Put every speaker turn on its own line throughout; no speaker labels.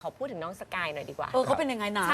ขอพูดถึงน้องสกายหน่อยดีกว่า
เขาเป็นยังไงนะ
ใช่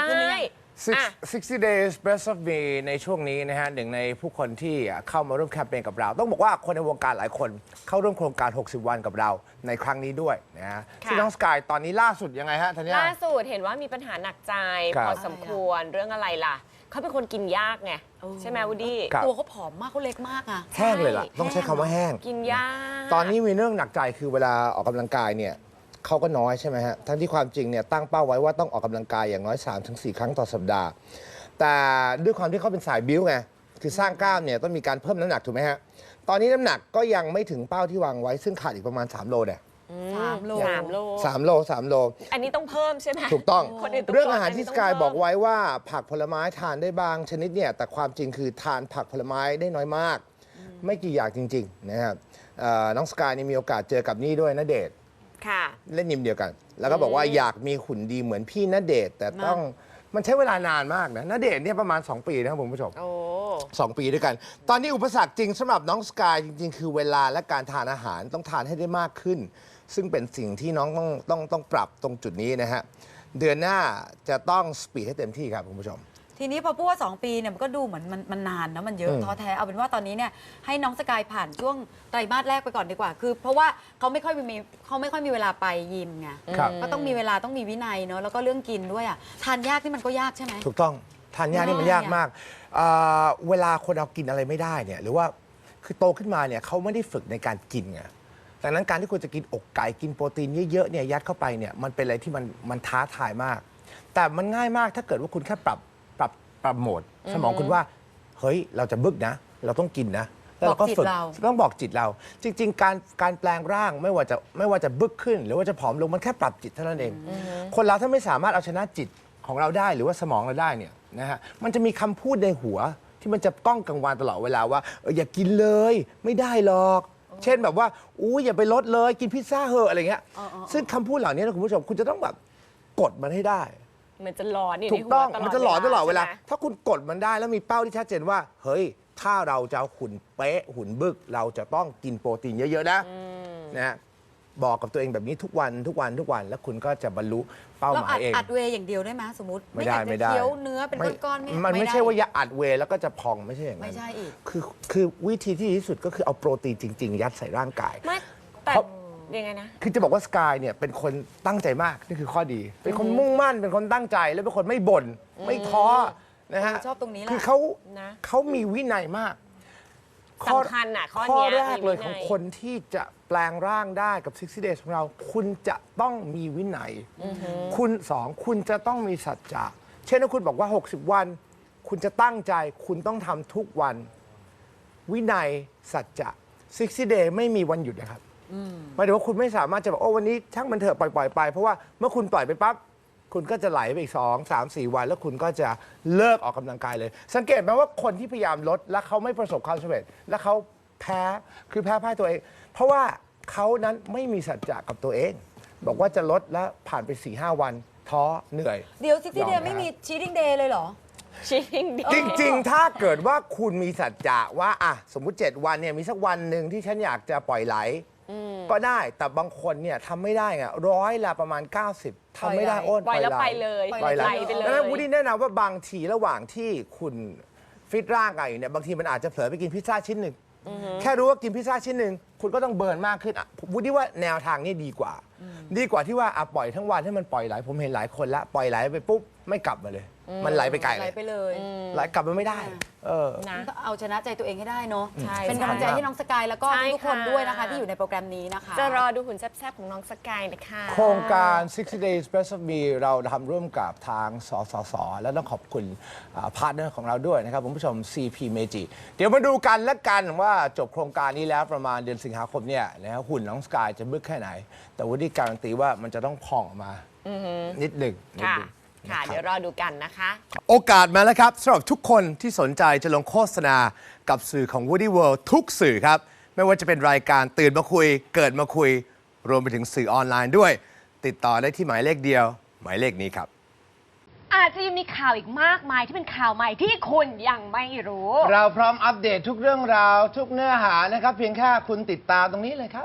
60 days best of me ในช่วงนี้นะฮะหนึ่งในผู้คนที่เข้ามาร่วมแคมเปญกับเราต้องบอกว่าคนในวงการหลายคนเข้าร่วมโครงการ 60 วันกับเราในครั้งนี้ด้วยนะฮะซึ่งน้องสกายตอนนี้ล่าสุดยังไงฮะธัญญา
ล่าสุดเห็นว่ามีปัญหาหนักใจพอสมควรเรื่องอะไรล่ะเขาเป็นคนกินยากไงใช่ไหมวูดดี้
ตัวเขาผอมมากเขาเล็กมากอะ
แห้งเลยล่ะต้องใช้คำว่าแห้ง
กินยาก
ตอนนี้มีเรื่องหนักใจคือเวลาออกกำลังกายเนี่ยเขาก็น้อยใช่ไหมฮะทั้งที่ความจริงเนี่ยตั้งเป้าไว้ว่าต้องออกกำลังกายอย่างน้อย 3-4 ครั้งต่อสัปดาห์แต่ด้วยความที่เขาเป็นสายบิ้วไงคือสร้างกล้ามเนี่ยต้องมีการเพิ่มน้ำหนักถูกไหมฮะตอนนี้น้ำหนักก็ยังไม่ถึงเป้าที่วางไว้ซึ่งขาดอีกประมาณ3 โลเนี่ย
3 โล
3 โล
อันนี้ต้องเพิ่มใช่ไหม
ถูกต้องเรื่องอาหารที่สกายบอกไว้ว่าผักผลไม้ทานได้บางชนิดเนี่ยแต่ความจริงคือทานผักผลไม้ได้น้อยมากไม่กี่อย่างจริงๆนะครับน้องสกายนี่มีโอกาสเจอกับนี่ด้วยณเดชน์เล่นยิมเดียวกันแล้วก็บอกว่าอยากมีหุ่นดีเหมือนพี่ณเดชน์แต่ต้องมันใช้เวลานานมากนะณเดชน์เนี่ยประมาณ2 ปีนะครับคุณผู้ชม2 ปีด้วยกันตอนนี้อุปสรรคจริงสำหรับน้องสกายจริงๆคือเวลาและการทานอาหารต้องทานให้ได้มากขึ้นซึ่งเป็นสิ่งที่น้องต้องปรับตรงจุดนี้นะฮะเดือนหน้าจะต้องสปีดให้เต็มที่ครับคุณผู้ชม
ทีนี้พอพูดว่า2 ปีเนี่ยมันก็ดูเหมือนมันนานนะมันเยอะท้อแท้เอาเป็นว่าตอนนี้เนี่ยให้น้องสกายผ่านช่วงไตรมาสแรกไปก่อนดีกว่าคือเพราะว่าเขาไม่ค่อยมีเวลาไปยิมไงก็ต้องมีเวลาต้องมีวินัยเนาะแล้วก็เรื่องกินด้วยอ่ะทานยากที่มันก็ยากใช่ไหม
ถูกต้องทานยากนี่มันยากมากเวลาคนเรากินอะไรไม่ได้เนี่ยหรือว่าคือโตขึ้นมาเนี่ยเขาไม่ได้ฝึกในการกินไงดังนั้นการที่คุณจะกินอกไก่กินโปรตีนเยอะๆเนี่ยยัดเข้าไปเนี่ยมันเป็นอะไรที่มันท้าทายมากแต่มันง่ายมากถ้าเกิดว่าคุณแค่ปรับโหมดสมองคุณว่าเฮ้ยเราจะบึกนะเราต้องกินนะแล้วเราก็ฝึกต้องบอกจิตเราจริงๆการแปลงร่างไม่ว่าจะบึกขึ้นหรือว่าจะผอมลงมันแค่ปรับจิตเท่านั้นเองคนเราถ้าไม่สามารถเอาชนะจิตของเราได้หรือว่าสมองเราได้เนี่ยนะฮะมันจะมีคำพูดในหัวที่มันจะก้องกังวานตลอดเวลาว่าอย่ากินเลยไม่ได้หรอกเช่นแบบว่าอย่าไปลดเลยกินพิซซ่าเหอะอะไรเงี้ยซึ่งคำพูดเหล่านี้นะคุณผู้ชมคุณจะต้องแบบกดมันให้ได้
มันจะหลอนนี่
ถูกต้องมันจะหลอนตลอดเวลาถ้าคุณกดมันได้แล้วมีเป้าที่ชัดเจนว่าเฮ้ยถ้าเราจะหุ่นเป๊ะหุ่นบึกเราจะต้องกินโปรตีนเยอะๆนะบอกกับตัวเองแบบนี้ทุกวันแล้วคุณก็จะบรรลุเป้าหมายเอง
อัดเวย์อย่างเดียวได้ไหมสมมติ
ไม่ได้
เคี้ยวเนื้อเป็นก้อน
ๆมันไม่ใช่ว่าอย่าอัดเวย์แล้วก็จะพองไม่ใช่อย่างนั้น
ไม่ใช่อีก
คือวิธีที่ดีที่สุดก็คือเอาโปรตีนจริงๆยัดใส่ร่างกาย
ไม่แต่ยังไงนะ
คือจะบอกว่าสกายเนี่ยเป็นคนตั้งใจมากนี่คือข้อดีเป็นคนมุ่งมั่นเป็นคนตั้งใจแล้วเป็นคนไม่บ่นไม่ท้อนะฮะ
ชอบตรงนี้แหละ
คือเขามีวินัยมาก
สำคัญอ่ะ
ข้อแรกเลยของคนที่จะแปลงร่างได้กับ60 days ของเราคุณจะต้องมีวินัยคุณจะต้องมีสัจจะเช่นถ้าคุณบอกว่า60 วันคุณจะตั้งใจคุณต้องทำทุกวันวินัยสัจจะ60 days ไม่มีวันหยุดนะครับหมายถึงว่าคุณไม่สามารถจะบอกวันนี้ช่างมันเถอะปล่อยไปเพราะว่าเมื่อคุณปล่อยไปปั๊บคุณก็จะไหลไปอีก2-3-4 วันแล้วคุณก็จะเลิกออกกำลังกายเลยสังเกตไหมว่าคนที่พยายามลดแล้วเขาไม่ประสบความสำเร็จแล้วเขาแพ้พ่ายตัวเองเพราะว่าเขานั้นไม่มีสัจจะกับตัวเองบอกว่าจะลดแล้วผ่านไป 4-5 วันท้อเหนื่อย
เดี๋ยว60 day ไม่มี cheating day เลยเหรอ
cheating day
จริงๆถ้าเกิดว่าคุณมีสัจจะว่าสมมุติ7 วันเนี่ยมีสักวันหนึ่งที่ฉันอยากจะปล่อยไหลก็ได้แต่บางคนเนี่ยทำไม่ได้ไงประมาณ 90ทำไม่ได้
ปล่อยแล้วไปเลย
ปล่อยไปเลยดังนั้นวูดดี้แนะนำว่าบางทีระหว่างที่คุณฟิตร่างกายอยู่เนี่ยบางทีมันอาจจะเผลอไปกินพิซซ่าชิ้นหนึ่งแค่รู้ว่ากินพิซซ่าชิ้นหนึ่งคุณก็ต้องเบิร์นมากขึ้นวูดดี้ว่าแนวทางนี้ดีกว่าที่ว่าปล่อยทั้งวันให้มันปล่อยไหลผมเห็นหลายคนละปล่อยไหลไปปุ๊บไม่กลับมาเลยมันไหลไปไกลเลย
ไหลไปเลย
ไหลกลับมาไม่ได้
เอาชนะใจตัวเองให้ได้เนาะเป็นกำลังใจให้น้องสกายแล้วก็ทุกคนด้วยนะคะที่อยู่ในโปรแกรมนี้นะคะ
จะรอดูหุ่นแซ่บๆของน้องสกายนะคะ
โครงการ 60 days best of me เราทำร่วมกับทางสสสและต้องขอบคุณพาร์ทเนอร์ของเราด้วยนะครับคุณผู้ชม CP Meiji เดี๋ยวมาดูกันและกันว่าจบโครงการนี้แล้วประมาณเดือนสิงหาคมเนี่ยนะหุ่นน้องสกายจะบึกแค่ไหนแต่วูดดี้การันตีว่ามันจะต้องพองออกมานิดหนึ่ง
ค่ะเดี๋ยวรอดูกันนะคะ
โอกาสมาแล้วครับสำหรับทุกคนที่สนใจจะลงโฆษณากับสื่อของ Woody World ทุกสื่อครับไม่ว่าจะเป็นรายการตื่นมาคุยเกิดมาคุยรวมไปถึงสื่อออนไลน์ด้วยติดต่อได้ที่หมายเลขเดียวหมายเลขนี้ครับ
อาจจะยังมีข่าวอีกมากมายที่เป็นข่าวใหม่ที่คุณยังไม่รู้
เราพร้อมอัปเดตทุกเรื่องราวทุกเนื้อหานะครับเพียงแค่คุณติดตามตรงนี้เลยครับ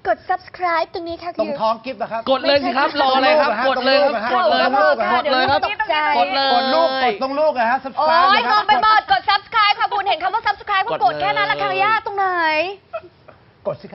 กด subscribe ตรงนี้ค่ะ
ตรงท้องกิฟต์นะครับ
กดเลยสิครับ รออะไรครับ กดเลยครับ กดเลยครับ กดเลยครับ กดเลย
กดลูก กดตรงลูกนะฮะ
โอ้
subscribe
ย
นะค
ม
รั
องไปหมดกด subscribe ค่ะคุณเห็นคำว่า subscribe ก็กดแค่นั้นละค่ะย่าตรงไหน
กดสิครับ